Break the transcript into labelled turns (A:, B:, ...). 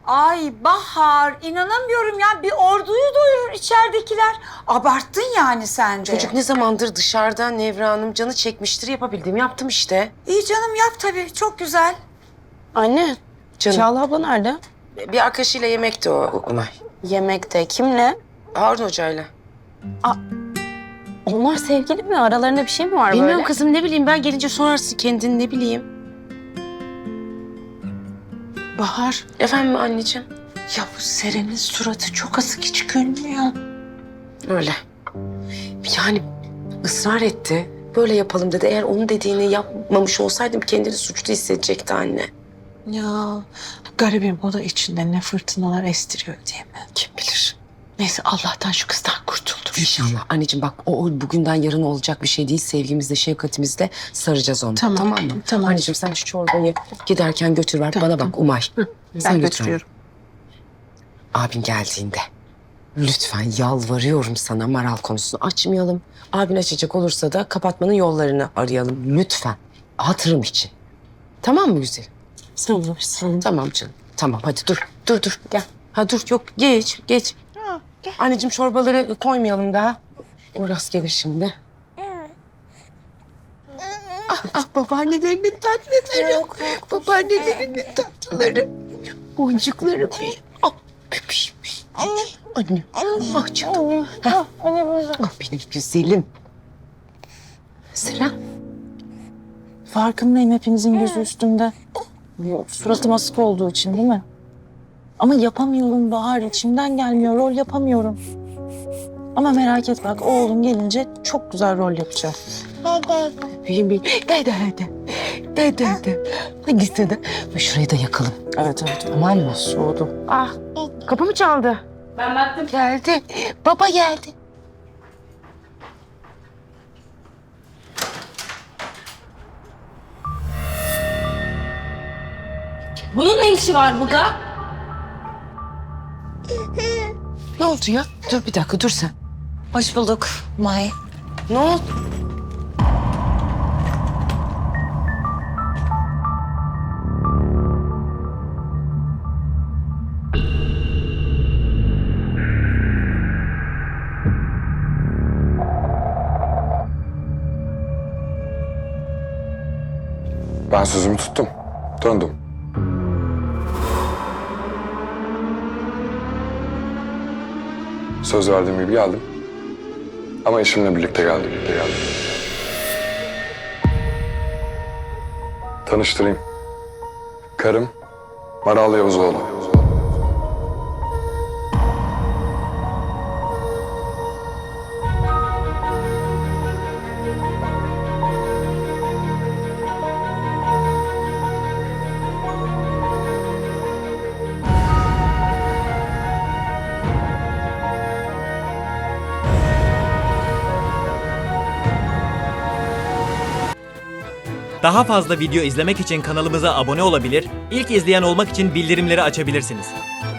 A: Ay Bahar, inanamıyorum ya. Bir orduyu doyurur içeridekiler. Abarttın yani sen de.
B: Çocuk ne zamandır dışarıda Nevra Hanım, canı çekmiştir, yapabildiğimi yaptım işte.
A: İyi canım, yap tabii. Çok güzel.
C: Anne,
B: Canım.
C: Çağla abla nerede?
B: Bir arkadaşıyla yemekti o Umay.
C: Yemekte. Kimle?
B: Harun Hoca'yla.
C: Onlar sevgili mi? Aralarında bir şey mi var
B: Bilmiyorum
C: böyle?
B: kızım, ne bileyim, ben gelince sorarsın kendin, ne bileyim.
A: Bahar,
B: Efendim anneciğim?
A: ya bu Seren'in suratı çok asık, hiç gülmüyor.
B: Öyle. Yani ısrar etti. Böyle yapalım dedi. Eğer onun dediğini yapmamış olsaydım kendini suçlu hissedecekti anne.
A: Ya garibim, o da içinde ne fırtınalar estiriyor değil mi?
B: Kim bilir.
A: Neyse, Allah'tan şu kızdan kurtuldum.
B: İnşallah. Anneciğim bak, o bugünden yarın olacak bir şey değil. Sevgimizle, şefkatimizle saracağız onu.
A: Tamam,
B: Tamam mı?
A: tamam.
B: Anneciğim sen şu çorbayı giderken götür ver.
A: Tamam,
B: Bana bak Umay.
A: Ben götürüyorum.
B: Abin geldiğinde lütfen yalvarıyorum sana, Maral konusunu açmayalım. Abin açacak olursa da kapatmanın yollarını arayalım lütfen. Hatırım için. Tamam mı güzelim?
C: Sanırsın.
B: Tamam canım. Tamam hadi dur gel. Ha dur, yok geç.
A: Gel.
B: Anneciğim çorbaları koymayalım daha. Uras gelir şimdi. Babaannelerinin tatlıları. Babaannelerinin tatlıları. Boncukları. Ah bebeğim. Anne. Ah canım. Ah benim güzelim. Seren.
C: Farkındayım, hepinizin gözü üstümde. Suratım asık olduğu için değil mi? Ama yapamıyorum Bahar, içimden gelmiyor, rol yapamıyorum. Ama merak etme, bak oğlum gelince çok güzel rol yapacağım.
B: Bebeğim. Dede. Hadi sana. Şurayı da yakalım.
C: Evet.
B: Tamam mı?
C: Soğudu.
B: Ah, kapı mı çaldı?
C: Ben baktım.
B: Geldi. Baba geldi.
C: Bunun ne işi var burada?
B: Ne oldu ya? Dur bir dakika, dur sen.
A: Hoş bulduk May.
B: Ne oldu?
D: Ben sözümü tuttum. Döndüm. Söz verdiğim gibi geldim. Ama eşimle birlikte geldim. Tanıştırayım. Karım Maral Yavuzoğlu.
E: Daha fazla video izlemek için kanalımıza abone olabilir, ilk izleyen olmak için bildirimleri açabilirsiniz.